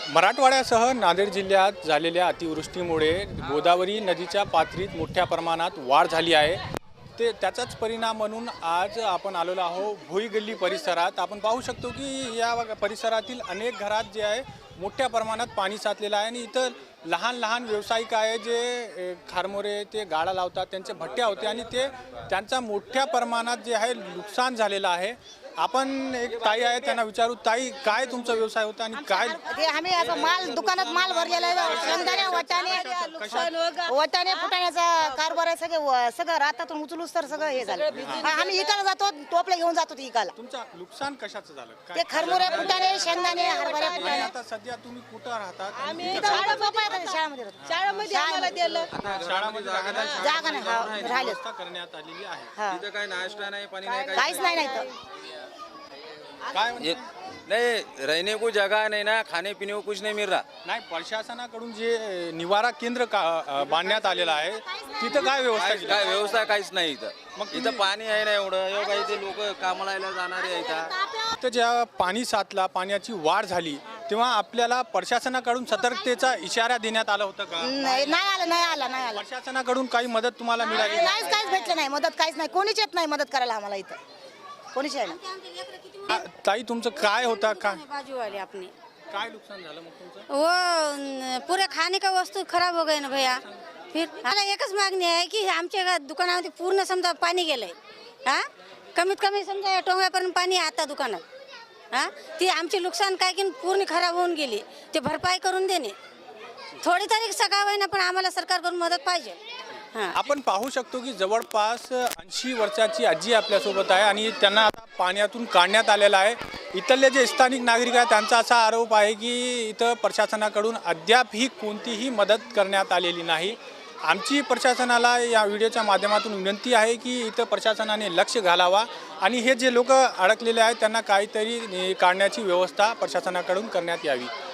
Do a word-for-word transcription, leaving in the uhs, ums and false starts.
मराठवाड्यासह नांदेड जिल्ह्यात झालेल्या अतिवृष्टीमुळे गोदावरी नदीच्या पातळीत मोठ्या प्रमाणात वाढ झाली आहे। ते त्याचाच परिणाम म्हणून आज आपण आलेलो आहोत भोई गल्ली परिसरात। आपण पाहू शकतो की या परिसरातील अनेक घरात जे आहे मोठ्या प्रमाणात पाणी साचलेलं आहे आणि इथं लहान लहान व्यावसायिक आहे जे खारमोरे ते गाडा लावतात, त्यांचे भट्ट्या होते आणि ते त्यांचा मोठ्या प्रमाणात जे आहे नुकसान झालेलं आहे। आपण एक ताई आहे त्यांना विचारू, ताई काय तुमचा व्यवसाय होता आणि काय? ते आम्ही आता माल दुकानात माल भरलेला आहे, शेंगदाणे वटाणे वटाणे फुटाण्याचा कारभार आहे, सगळे सगळं रातातून उचलूच तर सगळं हे झालं। आम्ही इकायला जातो, टोपले घेऊन जातो इकायला। तुमचं नुकसान कशाचं झालं? ते खरमुरे फुटाणे शेंगदाणे हरभरे फुटाणे। आता सध्या तुम्ही कुठं राहतात? आम्ही शाळेमध्ये शाळेमध्ये आम्हाला दिलं, शाळामध्ये जागा नाही राहिलं व्यवस्था करण्यात आलेली आहे। तिथं काही नाश्ता नाही, पाणी नाही, काहीच नाही नाही तर काय म्हणते? नहीं रहने को जगह नहीं ना, खाने पीने को कुछ नहीं मिल रहा। नाही, प्रशासनाकडून जे निवारा केंद्र का- बांधण्यात आलेलं आहे तिथं काय व्यवस्था काय केली? काय व्यवस्था काहीच नाही इथं। मग मग इथं पाणी आहे ना एवढं, एवढं काही ते लोक कामाला यायला जाणारे आहेत इथं। तर जेव्हा पाणी साचला, पाण्याची वाढ झाली, तेव्हा आपल्याला प्रशासनाकडून सतर्कतेचा इशारा देण्यात आला होता का? नाही नाही आलं नाही आलं नाही आलं प्रशासनाकडून काही मदत तुम्हाला मिळाली? काहीच काहीच भेटलं नाही, मदत काहीच नाही, कोणीच येत नाही मदत करायला आम्हाला इथं, कोणीच आहे ना। आ, ताई तुमचं काय होता? काय बाजू वाले अपने काय नुकसान झालं मग तुमचं? वो न, पूरे खाने का वस्तू खराब हो गए ना भैया। फिर मला एकच मागणी आहे की आमच्या दुकानामध्ये पूर्ण समजा पाणी गेलंय, हा कमीत कमी समजा टोंगळ्यापर्यंत पाणी आहे आता दुकानात। हा ती आमची नुकसान काय की पूर्ण खराब होऊन गेली, ते भरपाई करून देणे थोडी तरी सकाळ ना, पण आम्हाला सरकारकडून मदत पाहिजे। हां आपण पाहू शकतो की जवळपास ऐंशी वर्षाची आजी आपल्यासोबत आहे आणि त्यांना आता पाण्यातून काढण्यात आलेलं आहे। इथले जे स्थानिक नागरिक आहेत त्यांचा असा आरोप आहे की इथं प्रशासनाकडून अद्याप ही कोणतीही मदत करण्यात आलेली नाही। आमची प्रशासनाला या व्हिडिओच्या माध्यमातून विनंती आहे की इथं प्रशासनाने लक्ष घालावा आणि हे जे लोक अडकलेले आहेत त्यांना काहीतरी काढण्याची व्यवस्था प्रशासनाकडून करण्यात यावी।